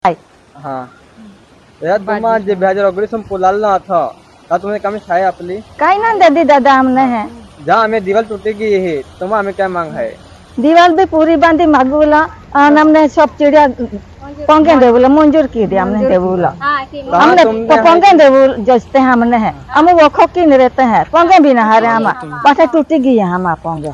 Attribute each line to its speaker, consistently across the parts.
Speaker 1: हाँ तुम्हा जे 2019 पोलालना था ता तुम्हें कमी छाया आपली
Speaker 2: काही ना दादी दादा हमने है
Speaker 1: जहाँ हमें दीवार टूटेगी है तुम्हारा हमें क्या मांग है।
Speaker 2: दीवार भी पूरी बांधी मागूला हमने सब चिड़िया पंखे देवुला मंजूर की दी हमने देवुला हमने पंखे देवुल जजते हैं हमने है हम वो खोकी नहीं रहते हैं पंखे भी ना हरे हम पाठे टूटी गई है हम पंखे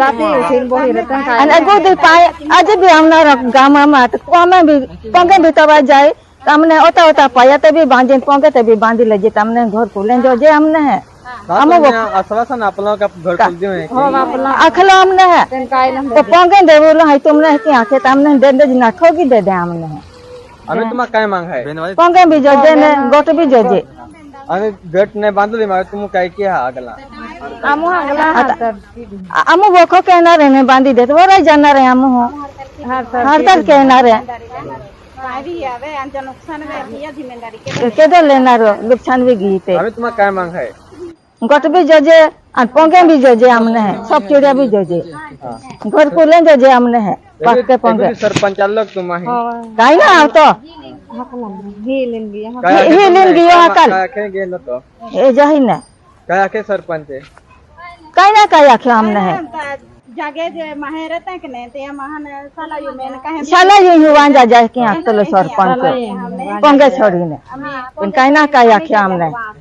Speaker 2: अने दे पाए आज भी हमने गांव में तो भी पंखे भी तब जाए हमने ओता ओता पाया तभी बांधे पंखे तभी बांधी ले जे हमने घर खोले जो जे हमने है हम वो
Speaker 1: आश्वासन अपना का घर खोल दियो है
Speaker 2: अखला हमने है तो पंखे देवुला है तुमने की आंखें हमने दे दे ना ठोकी दे दे हमने है
Speaker 1: हमें तुम्हारा क्या मांग है।
Speaker 2: पंखे भी जो जे ने गोट भी जो जे
Speaker 1: हमें गेट ने बांध ली मारे तुम काय किया अगला
Speaker 2: हम वो को कहना रहने बांधी दे तो वो रह जाना रहे हम हो हर तक कहना रहे केदो लेना रो नुकसान भी गई थे।
Speaker 1: हमें तुम्हारा क्या मांग है।
Speaker 2: गोट भी जो जे और पंखे भी जो जे हमने है सब चिड़िया भी जो जे घर को ले जो जे हमने है पक्के पंखे
Speaker 1: सरपंच लोग तुम है
Speaker 2: काई ना आओ तो ही लेन गयो हकल
Speaker 1: के न तो
Speaker 2: ए जही ने
Speaker 1: क्या के सरपंच है
Speaker 2: काई ना काई आखे हमने है
Speaker 3: जागे जे माहे रहते हैं कि नहीं ते महान साला यू मेन कहे
Speaker 2: साला यू हुआन जा जाए कि आखतलो सरपंच पंगे छोड़ी ने काई ना काई आखे हमने